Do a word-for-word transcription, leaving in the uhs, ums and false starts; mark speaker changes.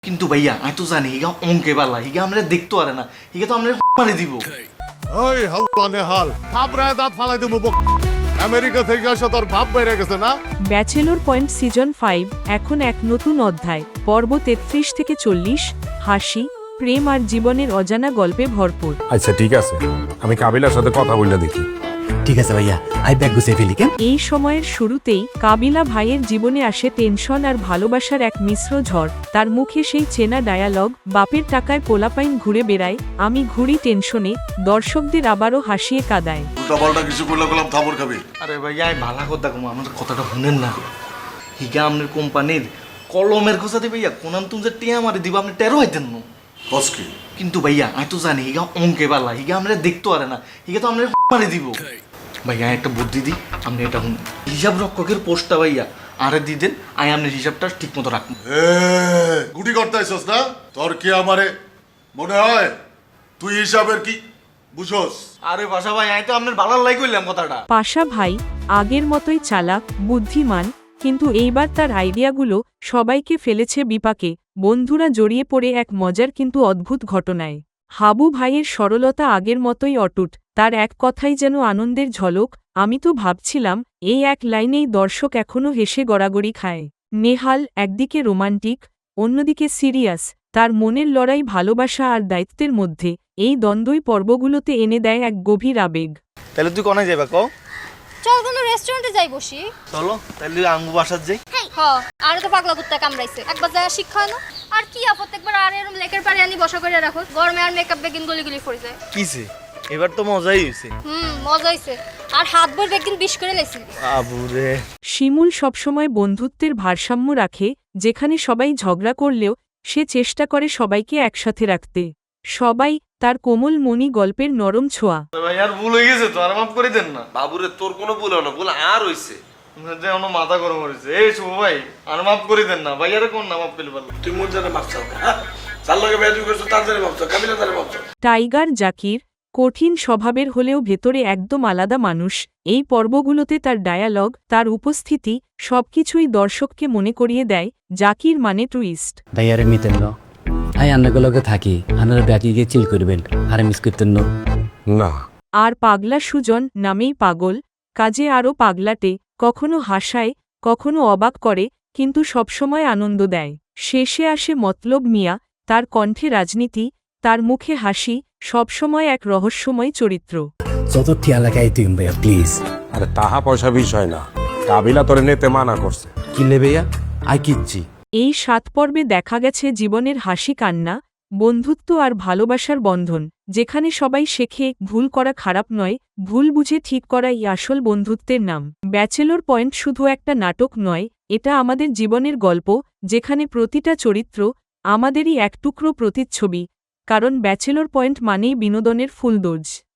Speaker 1: কিন্তু ভাইয়া আমি তো জানি হিগা অঙ্কে পারলা হিগা আমরা দেখতে পারে না হিগা তো আমরা মারি দিব।
Speaker 2: ওই হালনে হাল থাপড়ায় দাঁত ফালাই দেবো বক। আমেরিকা থেকে আসা তোর ভাব বেড়ে গেছে না?
Speaker 3: ব্যাচেলর পয়েন্ট সিজন ফাইভ এখন এক নতুন অধ্যায়, পর্ব তেত্রিশ থেকে চল্লিশ, হাসি, প্রেম আর জীবনের অজানা গল্পে ভরপুর।
Speaker 4: আচ্ছা ঠিক আছে, আমি কাবিলার সাথে কথা বললে দেখি।
Speaker 5: ঠিক আছে ভাইয়া, আই ব্যাগ গুছিয়ে ফেলি কেন?
Speaker 3: এই সময়ের শুরুতেই কাবিলা ভাইয়ের জীবনে আসে টেনশন আর ভালোবাসার এক মিশ্র ঝড়। তার মুখে সেই চেনা ডায়ালগ, বাপের টাকায় পোলাপাইন ঘুরে বেড়ায়, আমি ঘুরি টেনশনে, দর্শকদের আবারও হাসিয়ে কাঁদায়।
Speaker 2: উল্টাপাল্টা কিছু করলে গেলাম থাপড় খাবি।
Speaker 1: আরে ভাইয়া আমি ভালো কথা কম আমার কথাটা শুনেন না। হিগা আপনার কোম্পানির কলমের খোঁজাতে ভাইয়া কোনান তুমি যে টিয়া মারি দিব আপনি টেরো হইতেন না।
Speaker 2: কসকি
Speaker 1: কিন্তু ভাইয়া আমি তো জানি হিগা অঙ্কে পারলা হিগা আমরা দেখতে পারে না হিগা তো আমরা মারি দিব। ভাইয়া একটা বুদ্ধি দিই আপনি এটা শুনুন, হিসাব রক্ষকের পোস্টটা ভাইয়া আরে দিয়ে দেন আমি আপনার হিসাবটা ঠিক মতো রাখবো।
Speaker 2: এ গুটি করতে আইছস না? তোর কি আমারে মনে হয় তুই হিসাবের কি বুঝোস?
Speaker 1: আরে বাসা ভাই আমি তো আপনার ভালো লাই করলাম কথাটা।
Speaker 3: পাশা ভাই আগের মতোই চালাক, বুদ্ধিমান, কিন্তু এইবার তার আইডিয়াগুলো সবাইকে ফেলেছে বিপাকে। বন্ধুরা জড়িয়ে পড়ে এক মজার কিন্তু অদ্ভুত ঘটনায়। হাবু ভাইয়ের সরলতা আগের মতোই অটুট, তার এক কথাই যেন আনন্দের ঝলক। আমি তো ভাবছিলাম এই এক লাইনেই দর্শক এখনও হেসে গড়াগড়ি খায়। নেহাল একদিকে রোমান্টিক, অন্যদিকে সিরিয়াস, তার মনের লড়াই ভালোবাসা আর দায়িত্বের মধ্যে। এই দ্বন্দ্বই পর্বগুলোতে এনে দেয় এক গভীর আবেগ।
Speaker 1: তাহলে তুই কোনায় যাবা কও?
Speaker 6: চল কোনো রেস্টুরেন্টে যাই বসি।
Speaker 1: চলো তাহলে আঙ্গু বাসার যাই।
Speaker 6: হ আর তো পাগলা কুত্তা কামড়াইছে, একবার যায় শিক্ষা হয় না। আর কি আপদ একবার আর এরকম লেকের পারে আনি বসা করে রাখো, গরমে আর মেকআপ বেগিন গলি গলি পড়ে যায়।
Speaker 1: কিছে এবার তো মজাই হইছে।
Speaker 6: হুম মজা হইছে, আর হাত ভর বেগিন বিষ করে লেছি।
Speaker 1: আবুরে
Speaker 3: শিমুল সবসময় বন্ধুত্বের ভারসাম্য রাখে, যেখানে সবাই ঝগড়া করলেও সে চেষ্টা করে সবাইকে একসাথে রাখতে। সবাই তার কোমল মনি গল্পের নরম ছোঁয়া।
Speaker 1: ভাই আর ভুল হয়ে গেছে তো আর মাফ করে দেন না।
Speaker 7: বাবুরে তোর কোনো ভুল হয় না, ভুল আর হইছে।
Speaker 1: যে অন্য মাথা গরম হয়েছে এই শুভ ভাই আর মাফ করে দেন না ভাই। আর কোন না মাফ পেলে পারলাম।
Speaker 7: তুই মোর জানে মাপ চাও, হ্যাঁ? যার লগে বেয়াদবি করছো তার জানে মাপ চাও, কাবিলা জানে মাপ চাও।
Speaker 3: টাইগার জাকির কঠিন স্বভাবের হলেও ভেতরে একদম আলাদা মানুষ। এই পর্বগুলোতে তার ডায়ালগ, তার উপস্থিতি সবকিছুই দর্শককে মনে করিয়ে দেয় জাকির মানে টুইস্ট।
Speaker 5: ভাইয়ারে মিতেন ন আই আন্নাগুলোকে থাকি, আনারা ব্যাগে গিয়ে চিল করবেন, আরে মিস করতেন ন।
Speaker 4: না
Speaker 3: আর পাগলা সুজন নামেই পাগল, কাজে আরও পাগলাটে, কখনো হাসায়, কখনো অবাক করে, কিন্তু সবসময় আনন্দ দেয়। শেষে আসে মতলব মিয়া, তার কণ্ঠে রাজনীতি, তার মুখে হাসি, সবসময় এক রহস্যময় চরিত্র।
Speaker 5: যত ঠিয়া লাগাই তুই ভাইয়া প্লিজ।
Speaker 4: আরে তাহা পয়সা বিষয় না, কাবিলা তোরে নিতে মানা করছে।
Speaker 5: কি লে ভাইয়া, আই কিচ্ছি।
Speaker 3: এই সাত পর্বে দেখা গেছে জীবনের হাসি কান্না, বন্ধুত্ব আর ভালোবাসার বন্ধন, যেখানে সবাই শেখে ভুল করা খারাপ নয়, ভুল বুঝে ঠিক করাই আসল বন্ধুত্বের নাম। ব্যাচেলর পয়েন্ট শুধু একটা নাটক নয়, এটা আমাদের জীবনের গল্প, যেখানে প্রতিটা চরিত্র আমাদেরই এক টুকরো প্রতিচ্ছবি, কারণ ব্যাচেলর পয়েন্ট মানেই বিনোদনের ফুলদোজ।